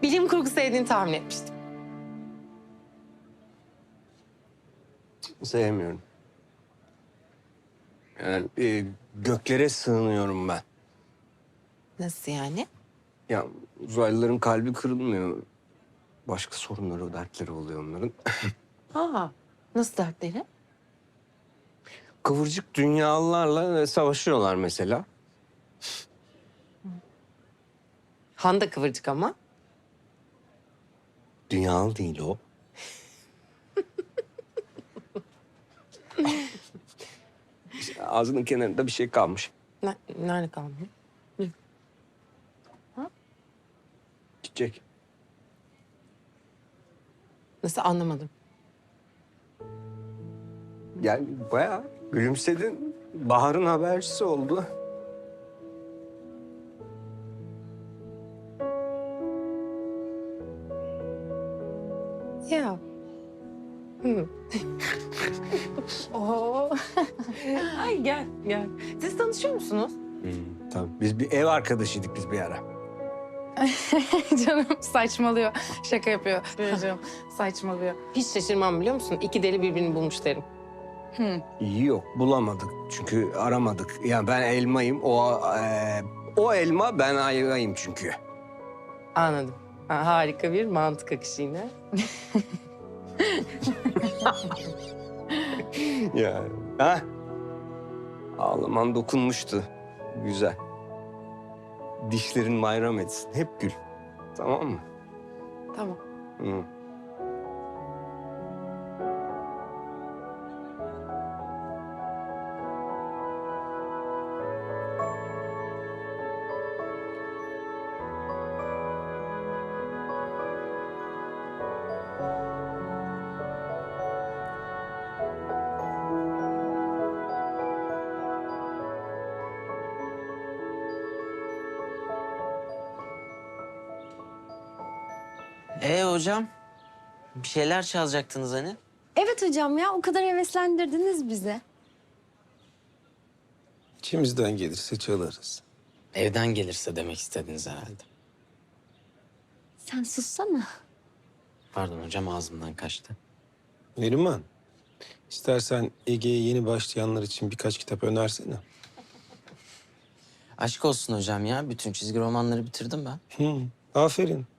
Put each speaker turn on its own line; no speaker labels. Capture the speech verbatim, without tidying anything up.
bilim kurgu sevdiğini tahmin etmiştim.
Sevmiyorum. Yani e, göklere sığınıyorum ben.
Nasıl yani?
Ya uzaylıların kalbi kırılmıyor. Başka sorunları, dertleri oluyor onların.
Aa, nasıl dertleri?
Kıvırcık dünyalılarla savaşıyorlar mesela.
Han da kıvırcık ama.
Dünyalı değil o. İşte ağzının kenarında bir şey kalmış.
Ne, nerede kaldı?
Çiçek.
Nasıl anlamadım.
Yani bayağı gülümsedin. Bahar'ın habercisi oldu.
Ya. Hı. Oo. Ay gel gel. Siz tanışıyor musunuz?
Hmm, tabii. Biz bir ev arkadaşıydık biz bir ara.
Canım saçmalıyor. Şaka yapıyor. Canım saçmalıyor.
Hiç şaşırmam biliyor musun? İki deli birbirini bulmuş derim.
Hı.
İyi yok bulamadık çünkü aramadık. Yani ben elmayım o e, o elma ben ayvayım çünkü.
Anladım. Ha, harika bir mantık akışı yine.
Ya. Ha? Ağlaman dokunmuştu. Güzel. Dişlerin bayram etsin. Hep gül. Tamam mı?
Tamam.
Hı.
Ee hocam, bir şeyler çalacaktınız hani?
Evet hocam ya, o kadar heveslendirdiniz bizi.
İçimizden gelirse çalarız.
Evden gelirse demek istediniz herhalde.
Sen sussana.
Pardon hocam, ağzımdan kaçtı.
Neriman, istersen Ege'ye yeni başlayanlar için birkaç kitap önersene.
Aşk olsun hocam ya, bütün çizgi romanları bitirdim ben.
Hı, aferin.